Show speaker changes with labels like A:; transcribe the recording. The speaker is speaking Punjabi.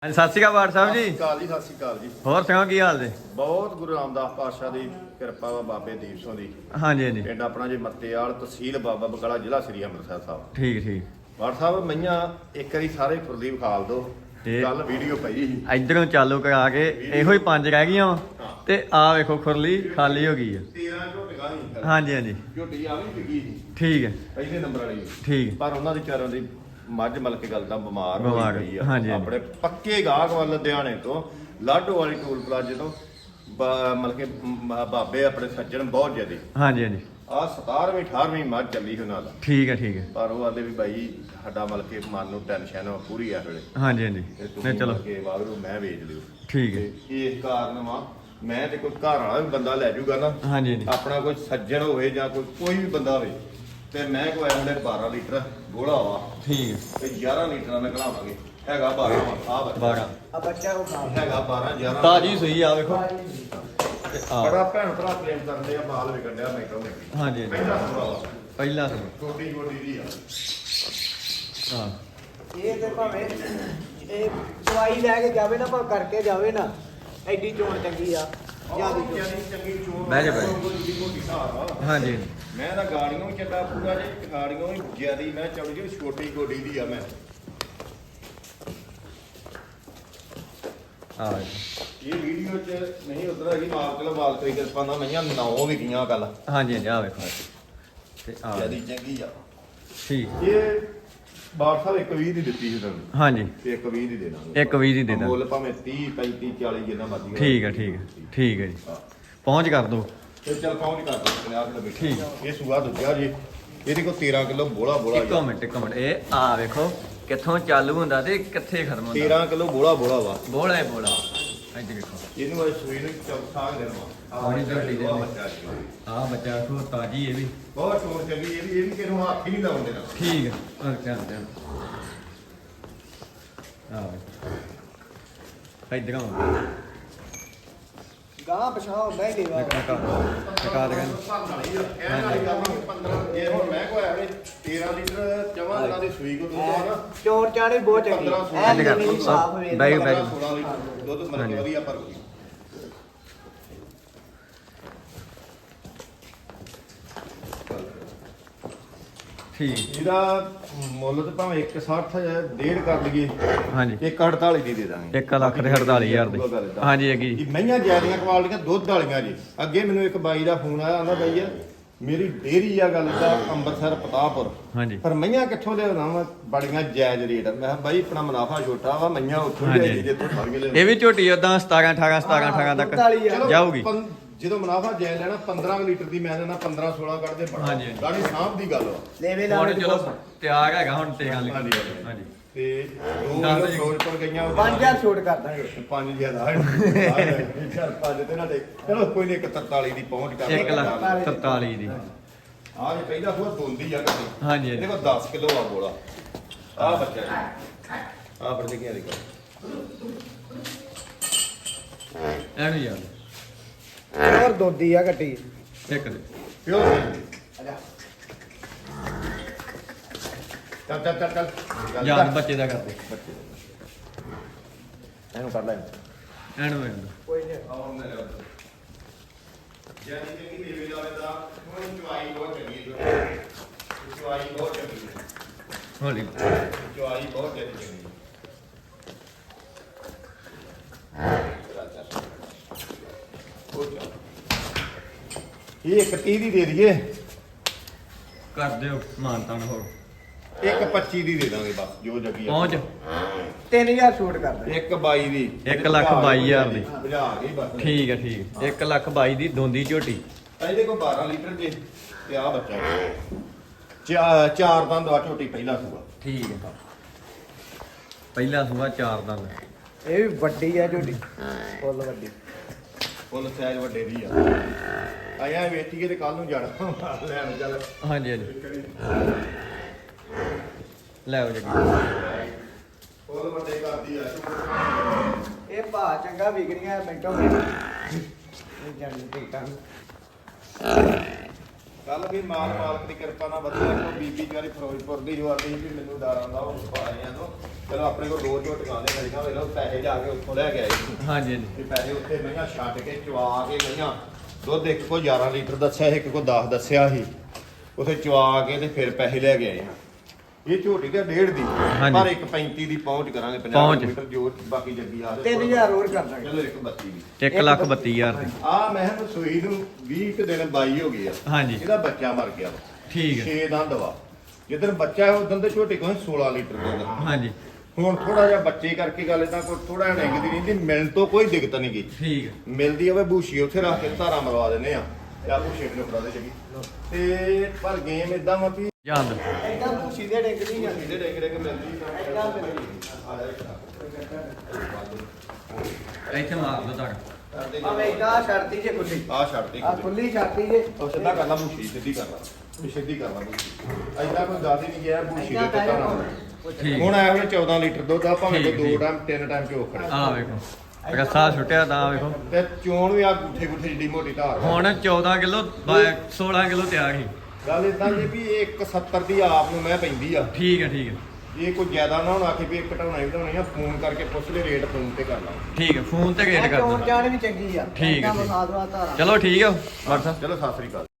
A: ਹਾਂਜੀ ਸਤਿ ਸ਼੍ਰੀ ਅਕਾਲ ਬਾਠ ਸਾਹਿਬ ਜੀ।
B: ਸਤਿ ਸ਼੍ਰੀ ਅਕਾਲ ਜੀ।
A: ਹੋਰ ਸੁਣਾਓ ਕੀ ਹਾਲ ਜੀ?
B: ਬਹੁਤ ਗੁਰੂ ਰਾਮਦਾਸ ਪਾਤਸ਼ਾਹ ਦੀ ਕਿਰਪਾ ਵਾ, ਬਾਬੇ ਦੀਪ ਸਿੰਘ ਦੀ।
A: ਹਾਂਜੀ ਹਾਂਜੀ
B: ਪਿੰਡ ਆਪਣਾ ਜੀ ਮੱਤੇਵਾਲ, ਤਹਿਸੀਲ ਬਾਬਾ ਬਕਾਲਾ, ਜ਼ਿਲ੍ਹਾ ਸ੍ਰੀ ਅੰਮ੍ਰਿਤਸਰ ਸਾਹਿਬ।
A: ਠੀਕ ਠੀਕ।
B: ਬਾਠ ਸਾਹਿਬ ਮਈਆਂ ਇੱਕ ਵਾਰੀ ਸਾਰੇ ਖੁਰਲੀ ਵਿਖਾਲ ਦੋ।
A: ਤੇ
B: ਕੱਲ ਵੀਡੀਓ ਪਈ ਸੀ।
A: ਇਧਰੋਂ ਚਾਲੂ ਕਰਾ ਕੇ ਇਹੋ ਹੀ 5 ਰਹਿ ਗਈਆਂ ਵਾ ਤੇ ਆ ਵੇਖੋ ਖੁਰਲੀ ਖਾਲੀ ਹੋ ਗਈ ਆ।
B: 13 ਝੋਟੀਆਂ ਸੀ।
A: ਹਾਂਜੀ ਹਾਂਜੀ
B: ਝੋਟੀ ਆ ਵੀ ਵਿਕੀ ਸੀ
A: ਠੀਕ ਹੈ
B: ਪਹਿਲੇ ਨੰਬਰ ਵਾਲੀ।
A: ਠੀਕ
B: ਪਰ ਉਹਨਾਂ ਦੀ ਚਾਰਾਂ ਦੀ ਮੱਝ ਮਲਕ ਗੱਲ ਦਾ ਬਿਮਾਰ
A: ਬਿਮਾਰ,
B: ਹੋਈ ਗਈ ਆ।
A: ਹਾਂਜੀ, ਹਾਂਜੀ।
B: ਆਪਣੇ ਪੱਕੇ ਗਾਹਕ ਵੱਲ ਲੁਧਿਆਣੇ ਤੋਂ ਲਾਡੋ ਵਾਲੀ ਟੂਲ ਪਲਾਜ਼ੇ ਤੋਂ ਮਤਲਬ ਕਿ ਬਾਬੇ ਆਪਣੇ ਸੱਜਣ ਬਹੁਤ ਜ਼ਿਆਦੇ।
A: ਹਾਂਜੀ ਹਾਂਜੀ
B: ਆ 17ਵੀਂ 18ਵੀਂ ਮੱਝ ਚੱਲੀ ਉਹਨਾਂ ਦਾ।
A: ਠੀਕ ਹੈ ਠੀਕ ਹੈ।
B: ਪਰ ਉਹ ਆਂਦੇ ਵੀ ਬਾਈ ਸਾਡਾ ਮਤਲਬ ਕਿ ਮਨ ਨੂੰ ਟੈਨਸ਼ਨ ਪੂਰੀ ਆ ਵੇਲੇ।
A: ਹਾਂਜੀ ਹਾਂਜੀ
B: ਤੇ
A: ਨਹੀਂ
B: ਤੁਸੀਂ
A: ਚਲੋ
B: ਮਤਲਬ ਕਿ ਵਾਗਰੂ ਮੈਂ ਵੇਚ ਲਿਓ।
A: ਠੀਕ ਹੈ।
B: ਤੇ ਇਸ ਕਾਰਨ ਵਾ ਮੈਂ ਤੇ ਕੋਈ ਘਰ ਵਾਲਾ ਵੀ ਬੰਦਾ ਲੈ ਜਾਊਗਾ ਨਾ,
A: ਹਾਂਜੀ ਹਾਂਜੀ
B: ਆਪਣਾ ਕੋਈ ਸੱਜਣ ਹੋਵੇ ਜਾਂ ਕੋਈ ਵੀ ਬੰਦਾ ਹੋਵੇ, ਤੇ ਮੈਂ ਕੋਈ ਆਉਂਦੇ 12 ਲੀਟਰ ਗੋਲਾ ਵਾ
A: ਠੀਕ ਹੈ।
B: ਤੇ 11 ਲੀਟਰਾਂ ਨਾਲ ਘਲਾਵਾਂਗੇ। ਹੈਗਾ 12 ਆ ਬੱਚਾ
A: 12
C: ਆ ਬੱਚਾ ਉਹ ਖਾ
B: ਹੈਗਾ 12 11
A: ਤਾਜੀ ਸੂਈ ਆ ਵੇਖੋ ਤੇ ਆ
B: ਬੜਾ ਭੈਣ ਭਰਾ ਪ੍ਰੇਮ ਕਰਦੇ ਆ, ਬਾਲ ਵਿਕਣ ਡਿਆ ਮੈਟੋ ਨੇ।
A: ਹਾਂਜੀ ਹਾਂਜੀ
B: ਪਹਿਲਾ ਸੂਆ ਵਾ,
A: ਪਹਿਲਾ ਸੂਈ
B: ਛੋਟੀ ਗੋਡੀ ਦੀ ਆ।
A: ਹਾਂ
C: ਇਹ ਤੇ ਭਾਵੇਂ ਇਹ ਦਵਾਈ ਲੈ ਕੇ ਜਾਵੇ ਨਾ, ਭਾਵੇਂ ਕਰਕੇ ਜਾਵੇ ਨਾ, ਐਡੀ ਚੋਣ ਚੰਗੀ ਆ ਜਿਆਦੀ
B: ਚੰਗੀ ਚੋਣ
A: ਬਹਿ ਜਾ, ਬਹਿ ਜਾ।
B: ਦੀ ਮੋਟੀ ਹਿਸਾਬ ਆ।
A: ਹਾਂਜੀ
B: ਮੈਂ ਤਾਂ ਗਾੜੀਆਂ ਵੀ ਚੱਡਾ ਪੂਰਾ ਜੇ, ਗਾੜੀਆਂ ਵੀ ਜਿਆਦੀ ਮੈਂ ਚੌੜੀ ਜਿਹੜੀ ਛੋਟੀ ਗੋਡੀ ਦੀ ਆ। ਮੈਂ
A: ਆ
B: ਇਹ ਵੀਡੀਓ 'ਚ ਨਹੀਂ ਉਧਰ ਹੈਗੀ, ਮਾਲ ਚਲੋ ਮਾਲ ਕੋਈ ਕਿਰਪਾ ਨਾਲ ਮਈਆਂ 9 ਵੀ ਗਈਆਂ ਕੱਲ।
A: ਹਾਂਜੀ ਹਾਂਜੀ ਆ ਵੇਖੋ ਤੇ ਆ
B: ਜਿਆਦੀ ਚੰਗੀ ਆ
A: ਠੀਕ
B: ਇਹ। ਬਾਠ ਸਾਹਿਬ 120 ਦੀ ਦਿੱਤੀ ਸੀ ਤੁਹਾਨੂੰ,
A: ਹਾਂਜੀ
B: ਤੇ 120 ਦੀ ਦੇ ਦਾਂਗੇ।
A: 120 ਦੀ ਦੇ ਦਾਂ।
B: ਮੁੱਲ ਭਾਵੇਂ 30 35 40 ਜਿੰਨਾ ਮਰਜ਼ੀ ਹੋਵੇ।
A: ਠੀਕ ਹੈ ਠੀਕ ਹੈ ਠੀਕ ਹੈ ਜੀ।
B: ਹਾਂ।
A: ਪਹੁੰਚ ਕਰ ਦੋ।
B: ਤੇ ਚੱਲ ਪਹੁੰਚ ਕਰ ਦੋ 50 ਕਿਲੋ ਬੈਠੀ।
A: ਠੀਕ।
B: ਇਹ ਸੂਆ ਦੂਜਾ ਜੀ, ਇਹਦੇ ਕੋਲ 13 ਕਿਲੋ ਬੋਲਾ
A: ਇੱਕ ਮਿੰਟ ਇਹ ਆ ਵੇਖੋ ਕਿੱਥੋਂ ਚਾਲੂ ਹੁੰਦਾ ਤੇ ਕਿੱਥੇ ਖਤਮ ਹੁੰਦਾ।
B: 13 ਕਿਲੋ ਬੋਲਾ ਵਾ।
A: ਬੋਲਾ ਹੈ ਬੋਲਾ। ਇੱਥੇ ਵੇਖੋ
B: ਇਹਨੂੰ ਅੱਜ ਸੂਈ ਨੂੰ ਚੌਥਾ ਦਿਨ ਵਾ।
A: ਬੜੀ ਝੋਟੀ ਦੇ
B: ਬੱਚਾ ਜੀ।
A: ਆ ਬੱਚਾ ਵੇਖੋ ਤਾਜੀ ਇਹ ਵੀ
B: ਬਹੁਤ ਸ਼ੋਰ ਚੱਲੀ। ਇਹ ਵੀ ਕਿਹਨੂੰ ਹੱਥ ਹੀ ਨਹੀਂ ਲਾਉਣ ਦੇਣਾ।
A: ਠੀਕ ਹੈ। ਆ ਧਿਆਨ ਆ ਇੱਧਰ ਆਓ
C: ਗਾਂ ਪਛਾਣ ਹੁੰਦਾ ਹੀ ਦੇਵਾ।
A: ਟਕਾ ਦੇ
B: ਕਹਿਣ ਵਾਲੀ ਗੱਲ ਨਹੀਂ 15 ਜੇ ਹੁਣ ਮੈਂ ਕੋਈ ਆਵੇ 13 ਲੀਟਰ ਜਮਾਂ ਦਿਨਾਂ ਦੀ ਸੂਈ ਕੋ ਦੁੱਧ ਆ ਨਾ।
C: ਚੋਰ ਚਾਣੀ ਬਹੁਤ ਚੰਗੀ
B: 15
C: ਐ
A: ਨਿਕਲ।
C: ਨਹੀਂ ਸਾਫ ਵੇਖ
A: ਬੈਗ-
B: 16 ਲੀਟਰ ਦੁੱਧ ਮਰ ਕੇ ਵਧੀਆ ਭਰ ਗਈ।
A: ਠੀਕ
B: ਇਹਦਾ ਮੁੱਲ ਤਾਂ ਭਾਵੇਂ 160 ਡੇਢ ਕਰ ਲਈਏ,
A: ਹਾਂਜੀ
B: 148 ਦੀ ਦੇ ਦਾਂਗੇ।
A: 1 ਲੱਖ ਤੇ 48,000 ਦੇ ਹਾਂਜੀ ਹੈਗੀ
B: ਇਹ ਮਈਆਂ ਜ਼ਿਆਦੀਆਂ ਕੁਆਲਟੀਆਂ ਦੁੱਧ ਵਾਲੀਆਂ ਜੀ। ਅੱਗੇ ਮੈਨੂੰ ਇੱਕ ਬਾਈ ਦਾ ਫੋਨ ਆਇਆ, ਆਂਦਾ ਬਾਈ ਮੇਰੀ ਡੇਅਰੀ ਆ ਗੱਲ ਦਾ ਅੰਮ੍ਰਿਤਸਰ ਪਤਾਪੁਰ,
A: ਹਾਂਜੀ
B: ਪਰ ਮਈਆਂ ਕਿੱਥੋਂ ਲਿਆਉਣਾ ਵਾ ਬੜੀਆਂ ਜਾਇਜ਼ ਰੇਟ। ਮੈਂ ਕਿਹਾ ਬਾਈ ਆਪਣਾ ਮੁਨਾਫਾ ਛੋਟਾ ਵਾ, ਮਈਆਂ ਉੱਥੋਂ
A: ਹਾਂਜੀ।
B: ਲਿਆਈ ਜਿੱਥੋਂ ਫੜ ਕੇ ਲਿਆਉਣੀ।
A: ਇਹ ਵੀ ਝੋਟੀ ਉਦਾਂ 17 18 17 18 ਤੱਕ
B: ਚਲੋ
A: ਜਾਊਗੀ।
B: ਜਦੋਂ ਮੁਨਾਫਾ ਜਾਇਜ਼ ਲੈਣਾ 15 ਲੀਟਰ ਦੀ ਮੈਂ ਲੈਣਾ 15 16 ਕੱਢਦੇ ਬੜਾ
A: ਹਾਂਜੀ, ਹਾਂਜੀ।
B: ਗਾੜੀ ਸਾਹਬ ਦੀ ਗੱਲ ਵਾ।
C: ਲੈਵੇ
A: ਹੁਣ
C: ਲਾਵੇ
A: ਚਲੋ ਤਿਆਰ ਹੈਗਾ ਹੁਣ ਤੇ ਗੱਲ
B: ਹਾਂਜੀ, ਹਾਂਜੀ।
A: ਹਾਂਜੀ
B: ਤੇ ਦੋ
A: ਦੱਸ
B: ਕਿਲੋ
A: ਦਿਓ।
B: ਫਿਰੋਜ਼ਪੁਰ ਗਈਆਂ
C: 5000 ਛੋਟ ਕਰ ਦਾਂਗੇ।
B: 5 ਜ਼ਿਆਦਾ ਚੱਲ 5 ਤੇ ਨਾ ਦੇ। ਚਲੋ ਕੋਈ ਨਹੀਂ 143 ਦੀ ਪਹੁੰਚ ਕਰ
A: 1 ਲੱਖ 43 ਦੀ
B: ਆਹ ਜੇ ਪਹਿਲਾ ਹੋਰ ਦੋਂਦੀ ਆ ਕੱਟੀ।
A: ਹਾਂਜੀ
B: ਇਹਦੇ
A: ਹਾਂਜੀ
B: ਕੋਲ 10 ਕਿਲੋ ਆ ਬੋਲਾ। ਆਹ ਬੱਚਾ ਜੀ ਆਹ ਬੜੇ ਕੀ ਦੇਖੋ।
A: ਐਨੂੰ ਯਾਰ
C: ਹੋਰ ਦੋਦੀ ਆ ਕੱਟੀ।
A: ਇੱਕ ਦੇ
B: ਪਿਓ
C: ਆਜਾ
B: ਚੱਲ ਚੱਲ ਚੱਲ ਚੱਲ
A: ਯਾਰ ਬੱਚੇ ਦਾ ਕਰਦੇ
B: ਬੱਚੇ ਇਹਨੂੰ ਕੱਢ ਲੈ।
A: ਐਨੂੰ ਐਨੂੰ
C: ਕੋਈ ਨਹੀਂ।
B: ਆਉਂ ਨਾ ਲੈ ਜਾਨੀ ਕਿ ਕੀ ਦੇਵੇ ਜਾਵੇ ਦਾ ਹੁਣ ਚੁਆਈ ਬਹੁਤ ਚੰਗੀ ਹੈ। ਚੁਆਈ ਬਹੁਤ ਚੰਗੀ ਹੈ।
A: ਹੌਲੀ
B: ਚੁਆਈ ਬਹੁਤ ਚੰਗੀ ਹੈ। ਇਹ ਇੱਕ 30 ਦੀ ਦੇ ਦਈਏ,
A: ਕਰ ਦਿਓ ਮਾਨਤਾਨ ਹੋਰ
B: ਇੱਕ 25 ਦੀ ਦੇ ਦਾਂਗੇ ਬਸ ਜੋ ਜੱਗੀ ਆ।
A: ਪਹੁੰਚ
C: 3000 ਛੋਟ ਕਰ ਦਾਂਗੇ।
B: ਇੱਕ 22 ਦੀ
A: 1,22,000 ਦੀ।
B: ਬੁਝਾ ਗਈ ਬਸ।
A: ਠੀਕ ਹੈ ਠੀਕ 1 ਲੱਖ 22 ਦੀ ਦੋਂਦੀ ਝੋਟੀ
B: ਇਹਦੇ ਕੋਲ 12 ਲੀਟਰ ਜੇ ਤੇ ਆ ਬੱਚਾ ਚਾਰ ਦੰਦ ਆ ਝੋਟੀ ਪਹਿਲਾ ਸੂਆ।
A: ਠੀਕ ਹੈ ਪਹਿਲਾ ਸੂਆ 4 ਦੰਦ
C: ਇਹ ਵੀ ਵੱਡੀ ਆ ਝੋਟੀ, ਫੁੱਲ ਵੱਡੀ।
B: ਫੁੱਲ ਸਾਈਜ਼ ਵੱਡੇ ਦੀ ਆ। ਆਇਆ ਵੇਚੀਏ ਤੇ ਕੱਲ ਨੂੰ ਜਾਣਾ ਲੈਣ ਚੱਲ।
A: ਹਾਂਜੀ ਹਾਂਜੀ ਲੈ ਆਓ ਜੀ
B: ਫੁੱਲ ਵੱਡੇ ਕਰਦੀ ਆ।
C: ਇਹ ਭਾ ਚੰਗਾ ਵਿਕਰੀਆਂ ਮਿੰਟੋ ਮਿੰਟ। ਇਹ ਜਾਨੀ ਠੀਕ ਆ।
B: ਕੱਲ ਵੀ ਮਾਲਕ ਦੀ ਕਿਰਪਾ ਨਾਲ ਵਧੀਆ ਕੋ ਬੀਬੀ ਜਾਰੀ ਫਿਰੋਜ਼ਪੁਰ ਦੀ ਜੋ ਆਦੀ ਵੀ ਮੈਨੂੰ ਡਰ ਆਉਂਦਾ ਉਹ ਪਾਣੀਆਂ ਤੋਂ ਚਲੋ ਆਪਣੇ ਕੋਲ ਦੋ ਝੋਟੀਆਂ ਦੇ ਖੜੀਆਂ ਵੇਲੋ ਪੈਸੇ ਜਾ ਕੇ ਉੱਥੋਂ ਲੈ ਕੇ ਆਏ
A: ਹਾਂਜੀ ਹਾਂਜੀ
B: ਤੇ ਪੈਸੇ ਉੱਥੇ ਮਈਆਂ ਛੱਡ ਕੇ ਚਵਾ ਕੇ ਮਈਆਂ ਦੁੱਧ ਇੱਕ ਕੋ 11 ਲੀਟਰ ਦੱਸਿਆ ਇੱਕ ਕੋ 10 ਦੱਸਿਆ ਸੀ ਉੱਥੇ ਚਵਾ ਕੇ ਤੇ ਫਿਰ ਪੈਸੇ ਲੈ ਕੇ ਆਏ ਇਹ ਝੋਟੀ ਤੇ 1.5 ਦੀ
A: ਹਾਂਜੀ।
B: ਪਰ ਇੱਕ 35 ਦੀ ਪਹੁੰਚ ਕਰਾਂਗੇ 50
A: ਪਹੁੰਚ।
B: ਕਿਲੋਮੀਟਰ ਜੋ ਬਾਕੀ ਜੱਗੀ ਆ
C: 3000 ਹੋਰ ਕਰ ਦਾਂਗੇ।
B: ਚਲੋ ਇੱਕ 32 ਦੀ
A: 1,32,000 ਦੀ
B: ਆ ਮੈਂ ਕਿਹਾ ਸੂਈ ਨੂੰ 20 ਕੁ ਦਿਨ 22 ਹੋ ਗਈ ਆ
A: ਹਾਂਜੀ
B: ਇਹਦਾ ਬੱਚਾ ਮਰ ਗਿਆ
A: ਠੀਕ ਹੈ
B: 6 ਦੰਦ ਵਾ ਜਿੱਦਣ ਬੱਚਾ ਹੈ ਉਦੋਂ ਤੇ ਝੋਟੀ ਕੋਲ 16 ਲੀਟਰ ਦੁੱਧ
A: ਹਾਂਜੀ
B: ਹੁਣ ਥੋੜਾ ਜਿਹਾ ਬੱਚੇ ਕਰਕੇ ਗੱਲ ਇਦਾਂ ਕੋਈ ਥੋੜਾ ਜਿਹਾ ਨਿੰਗਦੀ ਰਹਿੰਦੀ ਮਿਲਣ ਤੋਂ ਕੋਈ ਦਿੱਕਤ ਨਹੀਂ ਗਈ
A: ਠੀਕ ਹੈ
B: ਮਿਲਦੀ ਆਵੇ ਬੂਸ਼ੀ ਉੱਥੇ ਰੱਖ ਕੇ ਧਾਰਾ ਮਰਵਾ ਦਿੰਦੇ ਆ ਤੇ ਆ ਬੂਸ਼ੇ ਨੂੰ ਫੜਾ ਦੇ ਜਗੀ ਤੇ ਪਰ ਗੇਮ ਇਦਾਂ ਵਾ ਵੀ
A: ਜਾਂਦ
C: ਐਦਾਂ ਭੂਸੀ ਦੇ ਡਿੱਗ ਨਹੀਂ ਜਾਂਦੀ
B: ਇਹਦੇ ਡੇਗ ਡੇਗ ਮਿਲਦੀ
C: ਐਦਾਂ ਮਿਲਦੀ
B: ਆ ਜਾ ਇੱਕ
A: ਇੱਥੇ ਮਾਰ ਦੋ ਤੱਕ
C: ਆ ਵੇਖਦਾ ਛੱਡਤੀ ਜੇ ਖੁੱਲੀ
B: ਆ ਛੱਡਤੀ
C: ਆ ਖੁੱਲੀ ਛੱਡਤੀ ਜੇ
B: ਉਹ ਸਿੱਧਾ ਕਰ ਲਾ ਬੂਸ਼ੀ ਸਿੱਧੀ ਕਰ ਲਾ ਵੀ ਸਿੱਧੀ ਕਰ ਲਾ ਬੂਸ਼ੀ ਐਦਾਂ ਕੋਈ ਜ਼ਿਆਦਾ ਨਹੀਂ ਗਿਆ ਬੂਸ਼ੀ ਦੇ
C: ਐਦਾਂ
B: ਤੇ ਧਾਰਾ
A: ਠੀਕ
B: ਹੁਣ ਆਇਆ ਹੁਣ 14 ਲੀਟਰ ਦੁੱਧ ਆ ਭਾਵੇਂ
A: ਠੀਕ,
B: ਕੋਈ
A: ਠੀਕ।
B: 2 ਟਾਈਮ 3 ਟਾਈਮ ਚੋ ਖੜੇ
A: ਆ ਵੇਖੋ ਰੱਸਾ ਛੁੱਟਿਆ ਤਾਂ ਵੇਖੋ
B: ਤੇ ਚੋਣ ਵੀ ਆ ਗੁੱਠੇ ਗੁੱਠੇ ਜਿੱਡੀ ਮੋਟੀ ਧਾਰ ਵਾ।
A: ਹੁਣ 14 ਕਿਲੋ 16 ਕਿਲੋ ਤੇ ਆ ਗਈ
B: ਗੱਲ ਇਦਾਂ ਜੀ ਵੀ 170 ਦੀ ਆਪ ਨੂੰ ਮੈਂ ਪੈਂਦੀ ਆ
A: ਠੀਕ ਹੈ ਠੀਕ ਹੈ
B: ਜੇ ਕੋਈ ਜ਼ਿਆਦਾ ਨਾ ਹੁਣ ਆਖੇ ਵੀ ਇੱਕ ਘਟਾਉਣਾ ਹੀ ਵਧਾਉਣੀ ਆ ਫੋਨ ਕਰਕੇ ਪੁੱਛ ਲੈ ਰੇਟ ਫੋਨ ਤੇ ਕਰ ਲਾ
A: ਠੀਕ ਹੈ ਫੋਨ ਤੇ ਰੇਟ ਕਰ
C: ਚੋਣ
A: ਦੋ
C: ਜਾਣ ਵੀ ਚੰਗੀ ਆ
A: ਠੀਕ ਹੈ,
C: ਐਦਾਂ
A: ਠੀਕ।
C: ਬਸਾ ਦਵਾ ਧਾਰਾ
A: ਚਲੋ ਠੀਕ ਹੈ WhatsApp
B: ਚਲੋ ਸਤਿ ਸ੍ਰੀ ਅਕਾਲ